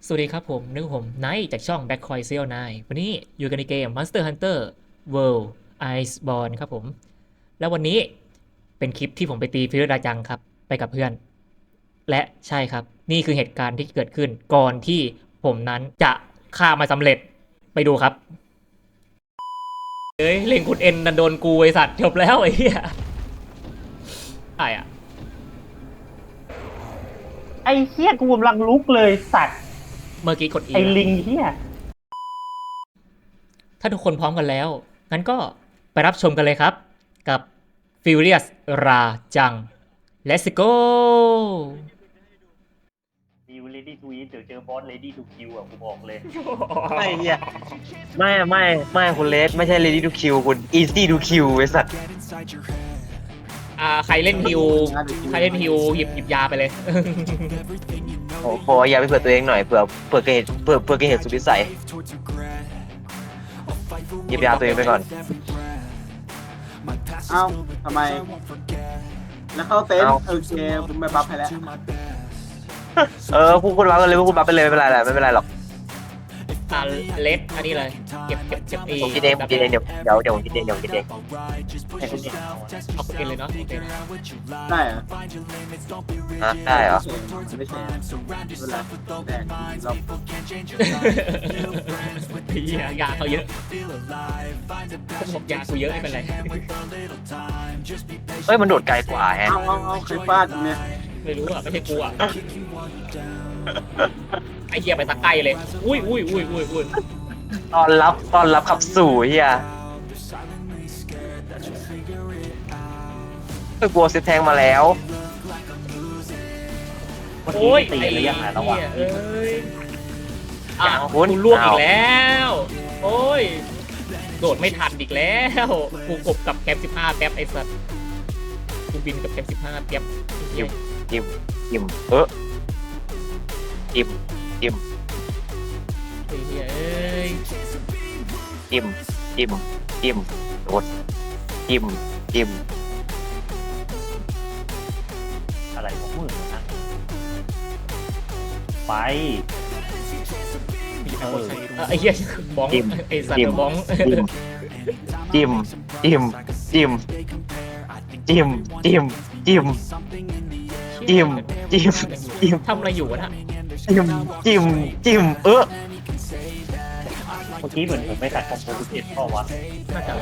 สวัสดีครับผมนึกผมไนท์จากช่อง Backcoin Seal 9วันนี้อยู่กันในเกม Monster Hunter World Iceborne ครับผมแล้ววันนี้เป็นคลิปที่ผมไปตีฟิลดาจังครับไปกับเพื่อนและใช่ครับนี่คือเหตุการณ์ที่เกิดขึ้นก่อนที่ผมนั้นจะฆ่ามาสำเร็จไปดูครับเฮ้ยเล่งคุณเอ็นดันโดนกูไอสัตว์จบแล้วไอ้เหี้ยใช่อะไอ้เหี้ยกูกำลังลุกเลยสัตว์เมื่อกี้กด E ไอ้ลิงเหี้ยถ้าทุกคนพร้อมกันแล้ว งั้นก็ไปรับชมกันเลยครับ กับ Furious ราจัง Let's go ดิว ready to eat เดี๋ยวเจอบอส ready to kill อ่ะกูบอกเลยไม่เฮียไม่คุณเลสไม่ใช่ ready to kill คุณ easy to kill ไอ้สัตว์ใครเล่นฮิวหยิบยาไปเลยโอ้โหอย่าไปเผื่อตัวเองหน่อยเผื่อเกิดเหตุเผื่อเกิดเหตุสุดวิสัยหยิบยาตัวเองไปก่อนเอ้าทำไม แล้วเข้าเต็นท์โอเคผมไปบัฟให้แล้วพูดบัฟกันเลยพูดบัฟไปเลยไม่เป็นไรแหละไม่เป็นไรหรอกเลสอันนี้เลย เก็บอีผมกินเองผมกินเองเดี๋ยวผมกินเองให้คุณเองเอาอะเอาคุณเอ็นเลยเนาะโอเคได้เหรอได้เหรอไม่ใช่ไม่เป็นไรแดกเรายาเขาเยอะผมยากูเยอะไม่เป็นไรเฮ้ยมันโดดไกลกว่าแฮะเอาใครฟาดเนี่ยไม่รู้อ่ะไม่ใช่กูอ่ะไอเหี้ยไปตะไกลเลยอุ้ยตอนรับขับสู่เฮียไปกลัวเซตแทงมาแล้วเมื่อโอ้ยกี้ตีระยะห่างระหว่างเอ้ยอย่างคุคุณ ณล่วงอีกแล้ว โอ้ย โดดไม่ทันอีกแล้ว กูกบกับแคมป์15แป๊บไอ้สัสกูบินกับแคมป์15แป๊บจิ้มจิ้มจิ้มจิ้มไอ้เหี้ยเอ้ยจิ้มโดดจิ้มอะไรของมึงนะไปไอ้เหี้ยบ้องไอ้สัตว์บ้องจิ้มทำอะไรอยู่วะน่ะจิ้มเมื่อกี้เหมือนผมไม่ตัดคอมโพสิเอ็ดเปล่าวะน่าจะ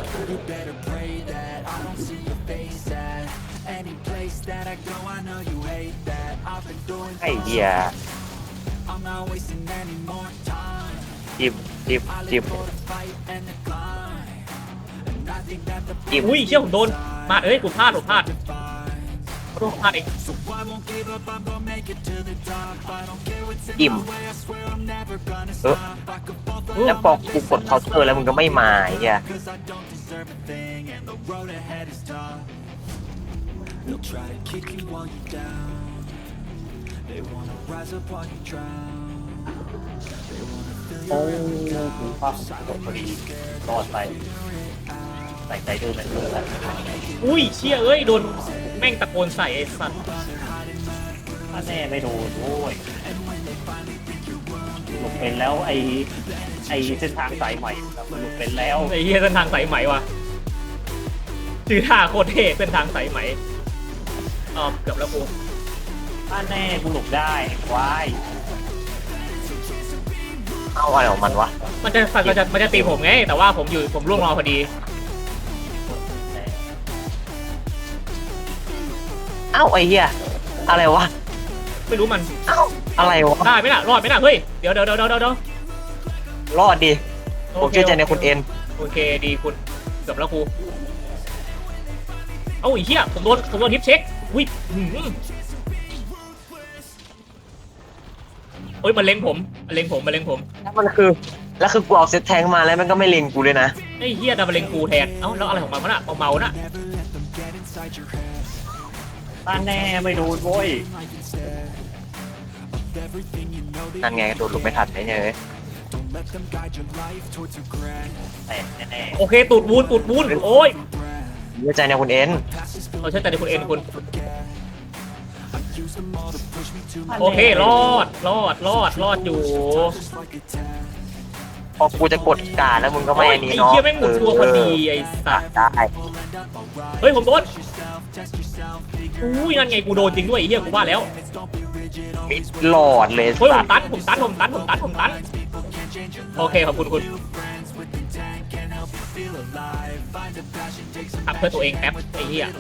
ไอ้เหี้ยจิ้มอุ้ยเชี่ยผมโดนมาเอ้ยกูพลาดเองจิ้มแล้วพอกูกดเคาน์เตอร์แล้วมึงก็ไม่มาไอ้เหี้ยโอ้กูภาพตกพอดีรอดไปใส่ใจดูเหมือนเดิมแล้วอุ้ยเชี่ยเอ้ยโดนแม่งตะโกนใส่ไอ้สัตว์ถ้าแน่ไม่โดนโว้ยหลบเป็นแล้วไอเส้นทางสายใหม่มันหลบเป็นแล้วไอ้เหี้ยเส้นทางสายไหมวะชื่อท่าโคตรเท่เส้นทางสายไหมเกือบแล้วกูถ้าแน่กูหลบได้วายเอาอะไรของมันวะมันจะตีผมไงแต่ว่าผมล่วงรอพอดีเอ้าไอ้เหี้ยอะไรวะไม่รู้มันเอ้าอะไรวะได้ไหมล่ะรอดไหมล่ะเฮ้ยเดี๋ยวรอดดิผมเชื่อใจในคุณเอ็นโอเคดีคุณเกือบแล้วกูเอ้าไอ้เหี้ยผมโดนทิปเช็คอุ้ยโอ้ยมันเล็งผมแล้วคือกูเอาเซตแทงมาแล้วมันก็ไม่เล็งกูเลยนะไอ้เหี้ยดับเบิลเล็งกูแทนเอ้าแล้วอะไรของมันวะน่ะเมาๆน่ะถ้าแน่ไม่โดนโว้ยนั่นไงโดนลุกไม่ทันไอ้เนี่ยแต่แน่โอเคตูดวูนโอ้ยเชื่อใจในคุณเอ็นเราเชื่อใจในคุณเอ็นคุณโอเครอดอยู่พอกูจะกดการแล้วมึงก็ไม่โอ้ยอันนี้ไอ้เนาะเหี้ยแม่งหมุนตัวพอดีไอ้สัตว์ได้เฮ้ยผมโดนอุ้ยนั่นไงกูโดนจริงด้วยไอ้เหี้ยกูว่าแล้วมิดหลอดเลยเฮ้ยผสัมตว์ตันโอเคขอบคุณทำเพื่อตัวเองแป๊บไอ้เหี้ย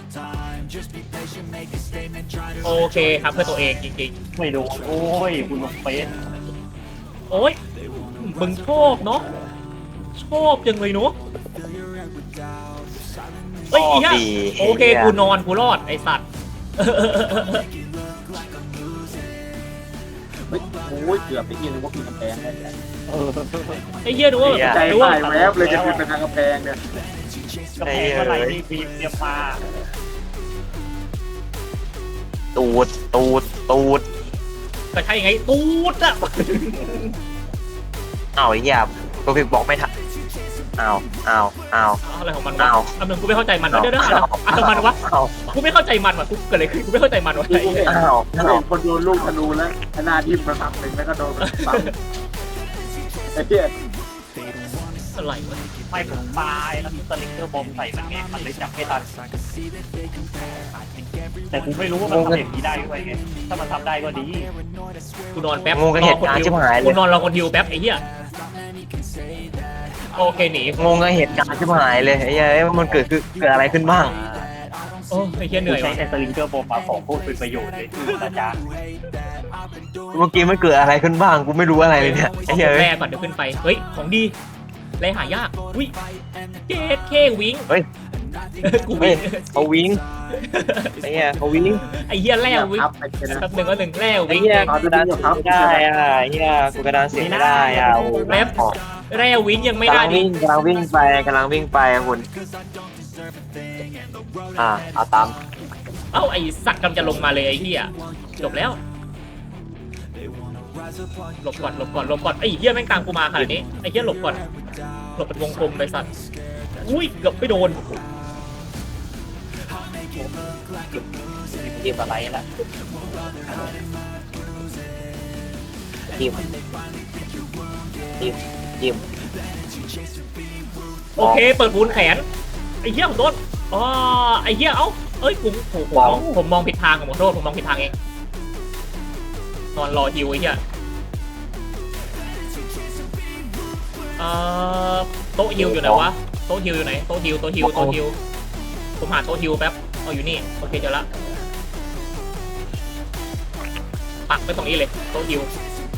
โอเคทำเพื่อตัวเองจริงไม่โดนโอ้ยคุณลงเฟสๆโอ้ยมึงชอบเนาะชอบจังเลยเนาะเฮ้ยไอ้เหี้ยโอเคกูนอนกูรอดไอ้สัตว์เฮ้ยโอ้ยเกือบไปยิงนึกว่าปีนกำแพงได้แล้วไอ้เหี้ยดูว่าใจดูว่าหายแวบเลยจะปีนไปทางกำแพงเนี่ยกระเพงเมื่อไหร่นี่บีมเตรียมมาตูดก็ใช่ไงตูดอะอ้าวไอ้เหี้ยตัวพิกบอกไม่ทันอ้าวอะไรของมันวะอ้าวอันนึงกูไม่เข้าใจมันเดี๋ยวอะไรมันวะอ้าวกูไม่เข้าใจมันวะกูเกิดอะไรขึ้นกูไม่เข้าใจมันวะไอ้เหี้ยอ้าวถ้าเห็นคนโดนลูกธนูแล้วหน้าทิ่มมาทำหนึ่งแล้วก็โดนปั๊มไอ้เหี้ยอะไรวะไม่ผมตายแล้วมีสลิงเกอร์บอมใส่มันไงมันเลยจับไม่ทันแต่กูไม่รู้ว่ามันทำอย่างนี้ได้ด้วยไงถ้ามันทำได้ก็ดีกูนอนแป๊บงงกับเหตุการณ์ชิบหายเลกูยนอนรอคนฮิวแป๊บไอ้เหี้ยโอเคหนีงงกับเหตุการณ์ชิบหายเลยไอ้เหี้ยมันเกิดอะไรขึ้นบ้างโอ้ไอ้เหี้ยเหกูนื่อยใช้ว่ะแต่สลิงเกอร์บอมมาของพูดเป็นประโยชน์เลยนะจ๊ะเมื่อกี้มันเกิดอะไรขึ้นบ้างกูไม่รู้อะไรเลยเนี่ยขไอ้อเหี้ยแร่ก่อนเดี๋ยวขึ้นไปเฮ้ยของดีแร่หายากอุ้ยเจ็ดเควิงเฮ้ยกูเฮ้วิ่ยงเขาวิ่งไอ้เหี้ยเขาวิ่งไอ้เหี้ยแร่วิ่งครับไอ้เหี้ยนะแป๊บหนึ่งก็หนึ่งแร่ไอ้วิ่งเหี้ยกูกระดานเสียงไม่ได้อ่ะไอ้เหี้ยกูกระดานเสียงไม่ได้อ่ะโอ้โหแร่วิ่งยังไม่กำได้ลังดิวิ่งกำลังวิ่งไปอ่ะคุณเอาตามเอ้าไอ้สัตว์กำลังจะลงมาเลยไอ้เหี้ยจบแล้วหลบก่อนไอ้เหี้ยแม่งตามกูมาขนาดนี้ไอ้เหี้ยหลบก่อนหลบเป็นวงกลมเลยสัตว์อุ้ยเกือบไม่โดนเกมอะไรล่ะยิ้มโอเคเปิดบูนแขนไอ้เหี้ยผมโดนอ๋อไอ้เหี้ยเอ้าเอ้ยผมมองผิดทางขอโทษผมมองผิดทางเองนอนรอฮิวไอ้เหี้ยโต๊ะฮิวอยู่ไหนวะโต๊ะฮิวอยู่ไหนโต๊ะฮิวผมหาโต๊ะฮิวแป๊บเอาอยู่นี่โอเคเจอละปักไปตรงนี้เลยโต๊ะฮิว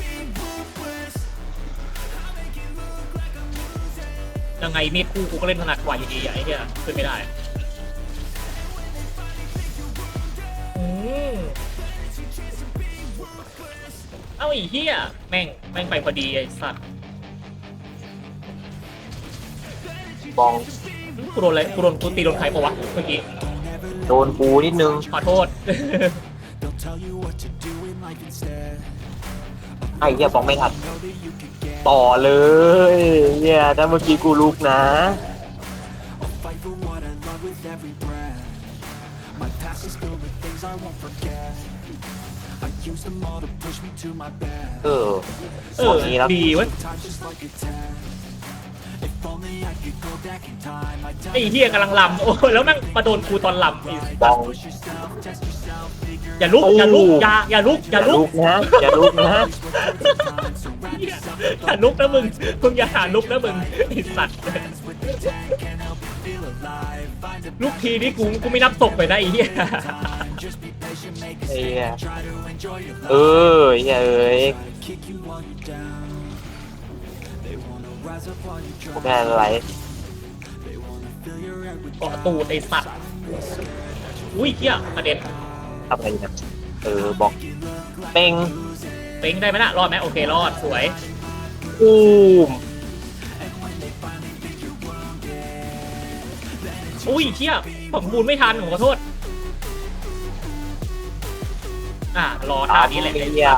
ยังไงมีดคู่กูก็เล่นถนัดกว่าอยู่ดีไอ้เหี้ยขึ้นไม่ได้เอ้าไอ้เหี้ยแม่งไปพอดีไอ้สัตว์บองกูโดนอะไรกูตีโดนใครปะวะเมื่อกี้โดนปูนิดนึงขอโทษไอ้เหี้ยบองไม่ทันต่อเลยเหี้ยถ้าเมื่อกี้กูลุกนะนี้แล้วดีเว้ยไอ้เหี้ยกำลังลำโอ้แล้วแม่งมาโดนกูตอนลำบองอย่าลุกอย่าลุกอย่าลุกอย่าลุกนะอย่าลุกนะอย่าลุกนะมึงอย่าหาลุกนะมึงไอ้สัตว์ลุกทีนี่กูไม่นับศพไปนะไอ้เหี้ยไอ้เหี้ยไอ้เหี้ยเอ้ยแม่อะไรเกาะตูดไอ้สัตว์อุ้ยเหี้ยประเด็นทำอะไรเนี่ยบอกเป้งเป้งได้ไหมล่ะรอดไหมโอเครอดสวยอูมอุ้ยเชี่ยผมบูนไม่ทันผมขอโทษรอท่านี้แหละไอ้เหี้ย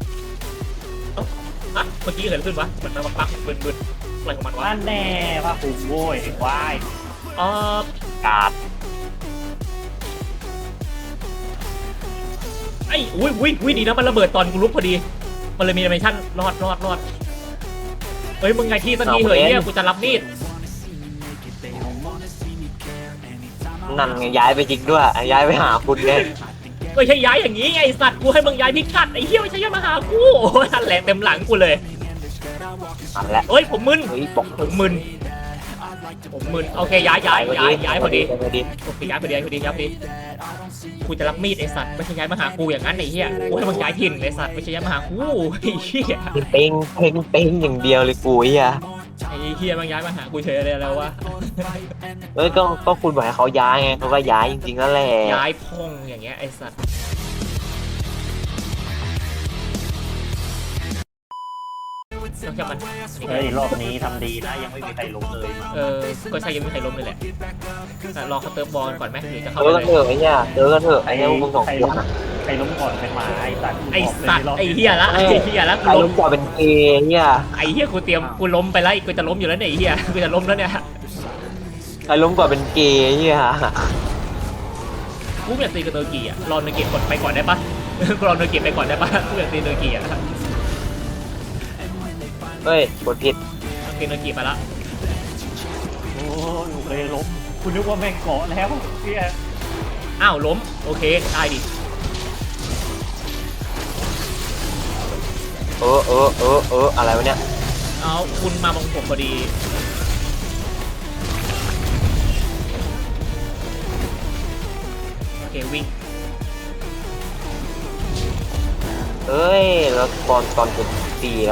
เมื่อกี้เกิดขึ้นวะมันมาปักบึนอะไรของมันวะนั่นแน่ว่าคุณโว้ยวายกาดไอ้อุ้ยดีนะมันระเบิดตอนกูลุกพอดีมันเลยมีแอนิเมชั่นรอดเฮ้ยมึงไงที่สักทีเหยเนี่ยกูจะรับมีดนั่นไงย้ายไปจริงด้วยย้ายไปหาคุณไงไม่ใช่ย้ายอย่างนี้ไงไอ้สัตว์กูให้มึงย้ายพิกัดไอ้เหี้ยไม่ใช่ย้ายมาหากูโอ้ยนั่นแหละเต็มหลังกูเลยอันแล้วเอ้ยผมมึนเฮ้ยบอกผมมึนโอเคย้ายพอดีพอดีโอเคย้ายพอดีกูจะรับมีดไอ้สัตว์ไม่ใช่ย้ายมาหากูอย่างนั้นไอ้เหี้ยกูให้มึงย้ายถิ่นไอ้สัตว์ไม่ใช่ย้ายมาหากูไอ้เหี้ยเป้งอย่างเดียวเลยกูไอ้เหี้ยไอ้เหี้ยมึงย้ายมาหากูเฉยเลยแล้ววะเอ้ยก็คุณบอกให้เขาย้ายไงเขาก็ย้ายจริงๆนั่นแหละย้ายพ่องอย่างเงี้ยไอ้สัตว์ต้องแค่มันเฮ้ยรอบนี้ทำดีนะยังไม่มีใครล้มเลยก็ใช่ยังไม่มีใครล้มเลยแหละรอเขาเติมบอลก่อนไหมหรือจะเจเข้าอไปกันเลเถยอะไอ้เหี้ยเจอกันเถอะไอ้เหี้ยมึงสองใครคล้มนใครล้มก่อนเป็นหมาไอ้สัตว์ไอ้สัตว์ไอ้เหี้ยละกูใครล้มกว่าเป็นเกย์เหี้ยไอ้เหี้ยกูล้มไปแล้วกูจะล้มอยู่แล้วเนี่ยไอ้เหี้ยกูจะล้มแล้วเนี่ยใครล้มกว่าเป็นเกย์เหี้ยกูอยากตีกับเตอร์กีอ่ะรอเนเกตกดไปก่อนได้ปะกูรอเนเกตไปก่อนได้ปะกูอยากตีเตอร์กีอ่ะเฮ้ยกดผิดตีเนเกตไปละโอ้ยโอเคล้มคุณนึกว่าแม่งเกาะแล้วเฮียอ้าวล้มโอเคได้ดิอะไรวะเนี่ยเอาคุณมาบังผมพอดีโอเควิ่งเอ้ยแล้วตอนผมตีแล้ว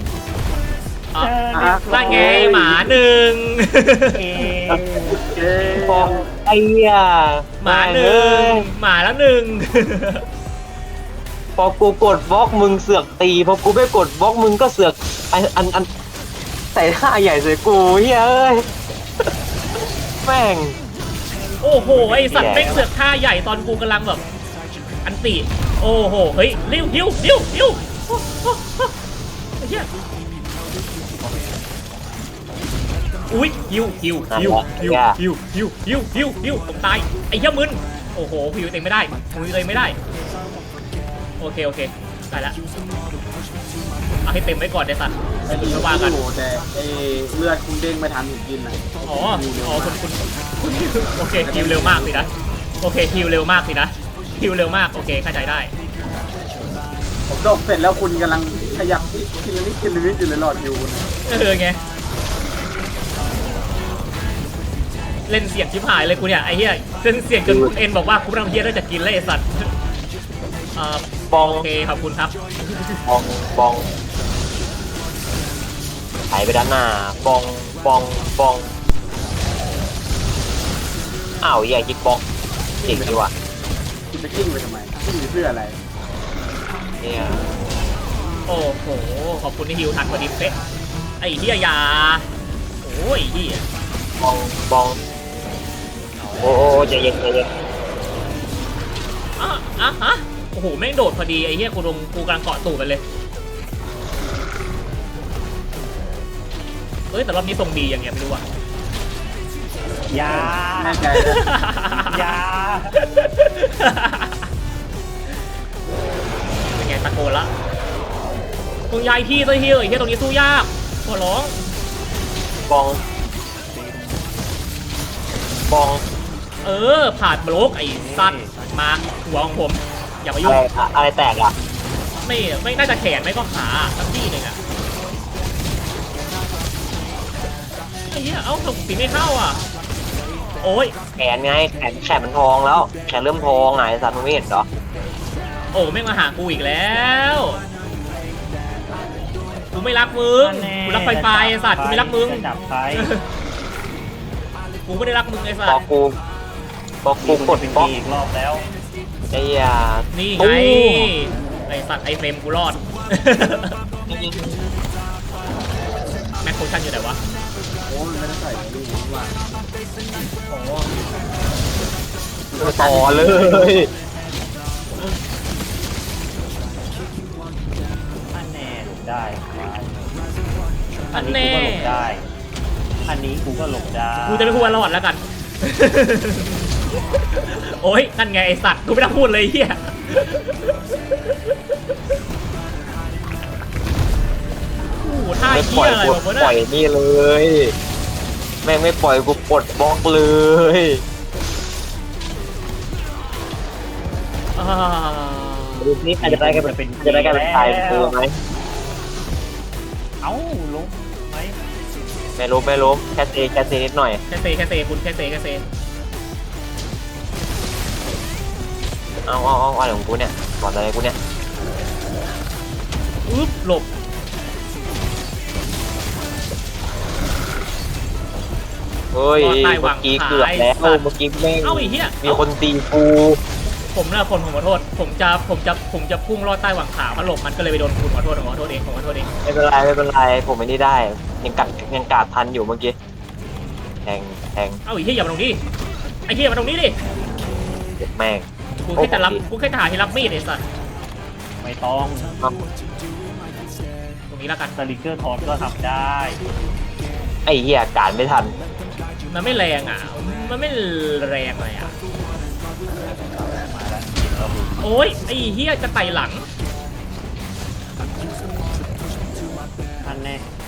นั่นไงหมาหนึ่งฟองไอ้เหี้ยหมาหนึ่งหมาแล้วหนึ่งพอกูกดบล็อกมึงเสือกตีพอกูไม่กดบล็อกมึงก็เสือกอันใส่ท่าใหญ่ใส่กูเฮ้ยเอ้ยแม่งโอ้โหไอสัตว์แม่งเสือกท่าใหญ่ตอนกูกำลังแบบอันติโอ้โหเฮ้ยริ้วอุ้ยฮิวผมตายไอ้เหี้ยมึนโอ้โหพิวเต็มไม่ได้โอเคได้ละเอาให้เต็มไว้ก่อนเดี๋ยวสัตว์ไอ้ดีไม่ว่ากันอยู่แต่ไอ้เลือดคุณเด้งไม่ทันผมกินอ่ะอ๋อคุณโอเคฮิวเร็วมากสินะโอเคฮิวเร็วมากโอเคเข้าใจได้ผมดกเสร็จแล้วคุณกำลังขยับกินนิดอยู่เลยหลอดฮิวคุณไงเล่นเสียงชิบหายเลยกูเนี่ยไอ้เหี้ยเล่นเสียงจนคุณเอ็นบอกว่ากูไม่ต้องเหี้ยแล้วจะกินเลยไอ้สัตว์บองโอเคขอบคุณครับบองไหลไปด้านหน้าบองอ้าวอย่ายิงบองเก่งดีว่ะคุณจะกิ้งไปทำไมกิ้งเพื่ออะไรเนี่ยโอ้โหขอบคุณที่ฮิวทันพอดีเป๊ะไอ้เหี้ยยาโอ้ยเหี้ยบองโอ้ใจเย็นฮะโอ้โหแม่งโดดพอดีไอ้เหี้ยกูกำลังเกาะตูดมันเลยเฮ้ยแต่รอบนี้ทรงดีอย่างเงี้ยไม่รู้ว่ะยาแน่ใจยาเป็นไงตะโกนละมึงย้ายที่ซะเฮียไอ้เฮียตรงนี้สู้ยากขอร้องบองผ่านบล็อกไอ้สัตว์มาหัวของผมอย่ามายุ่งอะไรแตกอ่ะไม่น่าจะแขนไม่ก็ขาสักที่หนึ่งอะไอ้เหี้ยเอ้าตีไม่เข้าอ่ะโอ้ยแขนไงแขนมันทองแล้วแขนเริ่มทองไงสัตว์มึงไม่เห็นเหรอโอ้แม่งมาหากูอีกแล้วกูไม่รักมึงกูรักไฟไฟไอ้สัตว์กูไม่รักมึงจับไฟกูไม่ได้รักมึงไอ้สัพตอว์กูกดเป็นบล็อกอีกรอบแล้วไอ้ยานี่ไงไอ้สัตว์ไอ้เฟรมกูรอด แม็กโคชั่นอยู่ไหนวะโอ้ยไม่ได้ใส่ลูกว่าอ๋อต่อเลยอันแน่หลบได้อันแน่อันนี้กูก็หลบได้กูจะไม่พูดว่ารอดแล้วกัน โอ้ยนั่นไงไอสัตว์กูไม่ต้องพูดเลยเฮียโอ้โหท่าไม่ปเหี้ล่อยยอะไรกูวะปเนี่ยล่อยนี่เลย แม่งไม่ปล่อยกูปลดบล็อกเลยอ่าดูนี่ใครจะได้กันเป็นตายกูไหมเอ้าล้มไหมไม่รู้แค่เซนิดหน่อยแค่เซคุณแค่เซเอาอะไรของกูเนี่ยก่อนอะไรกูเนี่ยอึ๊บหลบเฮ้ยเมื่อกี้เกือบแล้วเมื่อกี้แม่งเอ้าไอ้เหี้ยมีคนตีกูผมนะผมขอโทษผมจะพุ่งลอดใต้หวังขามันหลบมันก็เลยไปโดนคุณขอโทษเองผมขอโทษเองไม่เป็นไรผมไม่ได้ยังกาดทันอยู่เมื่อกี้แทงเอ้าไอ้เหี้ยอย่ามาตรงนี้ไอ้เหี้ยมาตรงนี้ดิเจ็บแม่งกูแค่จะหาที่รับมีดไอ้สัสไม่ต้องตรงนี้แล้วกันสลิงเกอร์ทอนก็ทำได้ไอ้เหี้ยกาดไม่ทันมันไม่แรงอ่ะมันไม่แรงเลยอ่ะมาแล้วเราโอ้ยไอ้เหี้ยจะไต่หลังอันแน่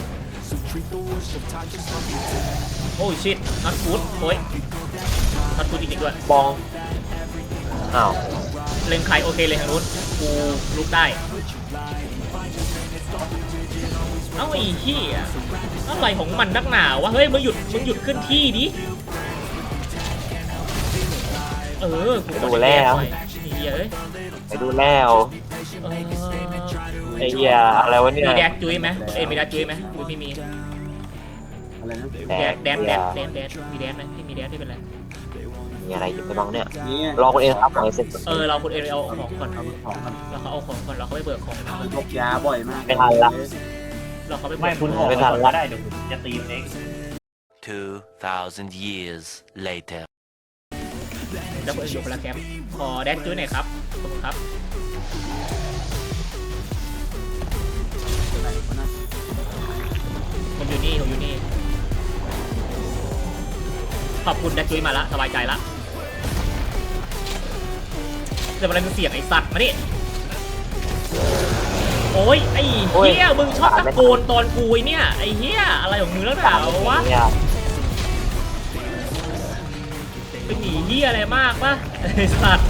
โอ้ยชิตนัทฟูดโอ้ยนัทฟูดจริงๆด้วยบองอ้าวเล็งใครโอเคเลยทางนู้นกูลุกได้เอ้าไอ้เหี้ยอะไรของมันนักหนาวะเฮ้ยมึงหยุดขึ้นที่ดิกูไปดูแล้วไอ้เหี้ยเอ้ยไปดูแล้วเออไอ้เหี้ยอะไรวะเนี่ยมีแดกจุ้ยไหมมีแดกจุ้ยไหมกูไม่มีอะไรนะแดดมีแดดไหมไม่มีแดดไม่เป็นไรมีอะไรอยู่ไปบ้างเนี่ยนี่รอคนเองครับหน่อยเสร็จเราคุณเอเอาของก่อนเอาของมันเราเขาเอาของก่อนเราเขาไปเบิกของก่อนพกยาบ่อยมากไม่ทันละเราเขาไปเบิไม่กคุณออกไม่ไปทันก่อนละก็ได้เดี๋ยวผมจะตีมันเอง 2,000 years later. แล้วคุณอยู่คนละแคมป์ขอแดดจุ้ยหน่อยครับขอบคุณครับไหนวะนะผมอยู่นี่ขอบคุณแดดจุ้ยมาละสบายใจละเดี๋ยวอะไรมึงเสียงไอ้สัตว์มานี่โอ้ยไอ้เหี้ยมึงชอบตะโกนตอนกูไอ้เนี่ยไอ้เหี้ยอะไรของมึงแล้วหนาวะเนี่ยเป็นหนีเหี้ยอะไรมากปะไอ้สัตว์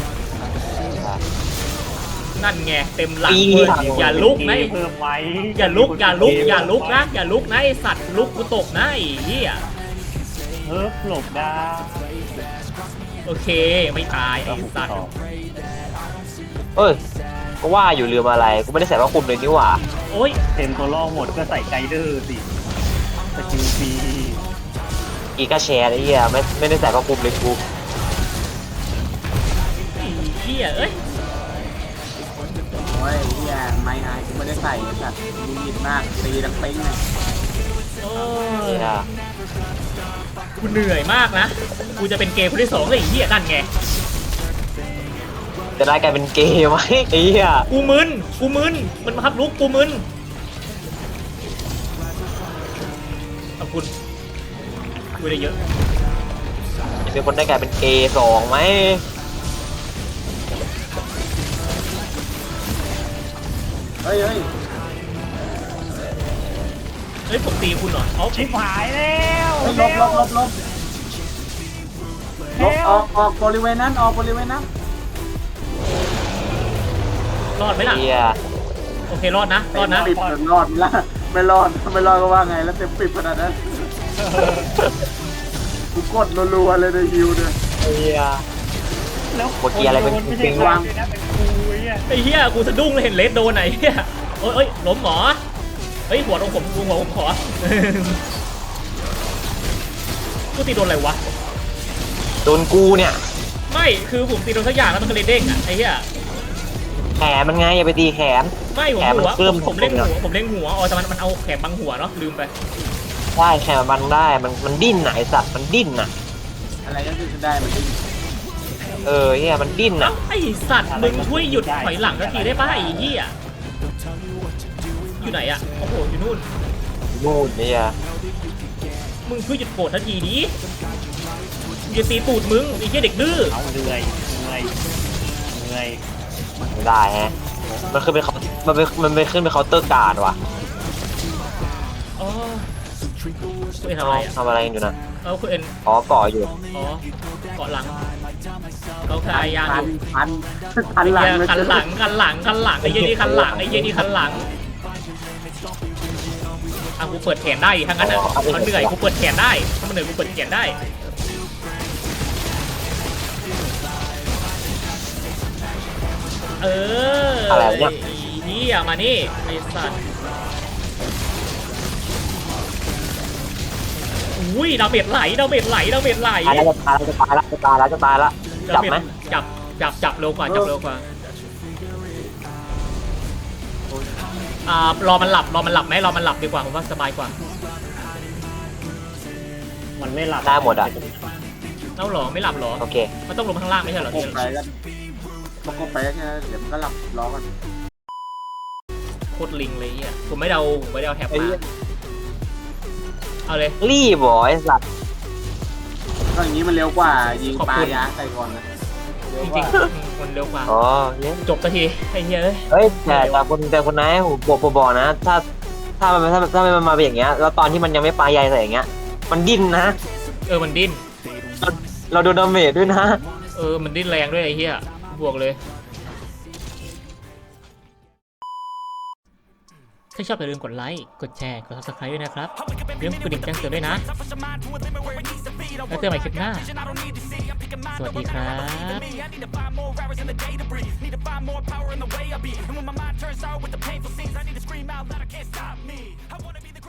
นั่นไงเต็มหลังเลยอย่าลุกนะเพิ่มไหมอย่าลุกนะอย่าลุกนะไอ้สัตว์ลุกกูตกนะไอ้เหี้ยเพิ่มหลบได้โอเคไม่ตายไอ้สัตว์เอ้ยก็ว่าอยู่ลืมอะไรกูไม่ได้ใส่ผ้าคลุมเลยนี่หว่าโอ้ยเต็มตัวล่อหมดก็ใส่ไกเดอร์สิสกิลฟรีกีก็แชร์ไอ้เหี้ยไม่ได้ใส่ผ้าคลุมเลยกูไอ้เหี้ยเอ้ยโอ้ยที่แอนไม่อายกูไม่ได้ใส่สัตว์มีมิดมากตีดังปิ้งเลยโอ้เนี่ย ยกูเหนื่อยมากนะกูจะเป็นเกย์คนที่สองเลยไอ้เหี้ยนั่นไงจะได้กลายเป็นเกย์ไหมไอ้เหี้ยกูมึนมันมาขับลุกกูมึนขอบคุณกูได้เยอะจะเป็นคนได้กลายเป็นเกย์สองไหมเฮ้ยเฮ้ยผมตีคุณเหรอเอาชิบหายแล้วลบออกบริเวณนั้นออกบริเวณนั้นรอดไหมล่ะเหี้ยโอเครอดนะรอดนะปิดจนรอดละไม่รอดก็ว่าไงแล้วเต็มปิดขนาดนั้นกูกดรัวๆเลยในฮิวเนี่ยเหี้ยแล้วเมื่อกี้อะไรเป็นไม่เป็ใช่นวาวาง งเลยนะเป็นกูเนี่ยไอ้เหี้ยกูสะดุ้งเลยเห็นเลสโดนไหนเหี้ยเอ้ยล้มหมอเฮ้ยหัวตรงผมขอ กูตีโดนอะไรวะโดนกูเนี่ยไม่คือผมตีโดนสักอย่างแล้วมันก็เลยเด้งอ่ะไอ้เหี้ยแขนมันไงอย่าไปตีแขนไม่ผมแขนมันหัวเพิ่มผมเล่นหัวอ๋อแต่มันเอาแขนบังหัวเนาะลืมไปได้แขนมันได้มันดิ้นไหนะไอ้สัตว์มันดิ้นน่ะอะไรก็คือได้มันดิ้นเฮียมันดิ้นเอ้าน่ะไอ้สัตว์มึงช่วยหยุดถอยหลังสักทีได้ป่ะไอ้เหี้ยอยู่ไหนอ่ะโอ้โหอยู่นู่นนู่นเนี่ยมึงช่วยหยุดโกรธสักทีดิมึงจะตีตูดมึงไอ้เหี้ยเด็กดื้อเอาเหนื่อยไม่ได้ฮะมันขึ้นเป็นมันเป็นขึ้นเป็นเคาน์เตอร์การ์ดว่ะอ๋อคุณเอ็นทำอะไรอ่ะทำอะไรอยู่นะคุณเอ็นอ๋อก่ออยู่อ๋อเกาะหลังเขาพยายามอยู่คันหลังคันหลังคันหลังคันหลังไอ้เหี้ยนี่คันหลังไอ้เหี้ยนี่คันหลังกูเปิดแขนได้ทั้งนั้นอ่ะมันเหนื่อยกูเปิดแขนได้ถ้ามันเหนื่อยกูเปิดแขนได้อะไรวะเนี่ยเฮียมานี่ไอ้สัตว์อุ้ยดาเมจไหลดาเมจไหลดาเมจไหลตายแล้วจะตายแล้วจะตายแล้วจะตายแล้วจับไหมจับเร็วกว่าจับเร็วกว่า รอมันหลับไหมรอมันหลับดีกว่าผมว่าสบายกว่ามันไม่หลับได้หมดอ่ะเอ้าหรอไม่หลับหรอโอเคมันต้องลงข้างล่างไม่ใช่เหรอโคไปกันไปแค่เดี๋ยวมันก็หลับรอกันโคตรลิงเลยเนี่ยผมไม่ได้เอาแท็บมาเอาเลยรีบเหรอไอ้สัตว์ก็อย่างนี้มันเร็วกว่ายิงปลายาใส่ก่อนนะจริงๆมันเร็วกว่าอ๋อเนี่ยจบสักทีไอ้เหี้ยเอ้ยเฮ้ยแต่คนไหนผมบอกนะ ถ้ามันมาเป็นอย่างเงี้ยแล้วตอนที่มันยังไม่ปลายใยใส่อย่างเงี้ยมันดิ้นนะมันดิ้นเราโดนดาเมจด้วยนะมันดิ้นแรงด้วยไอ้เหี้ยบวกเลยถ้าชอบอย่าลืมกดไลค์กดแชร์กด subscribe ด้วยนะครับอย่าลืมกดดิ่งแจ้งเตือนด้วยนะแล้วเจอกันใหม่คลิปหน้าสวัสดีครับ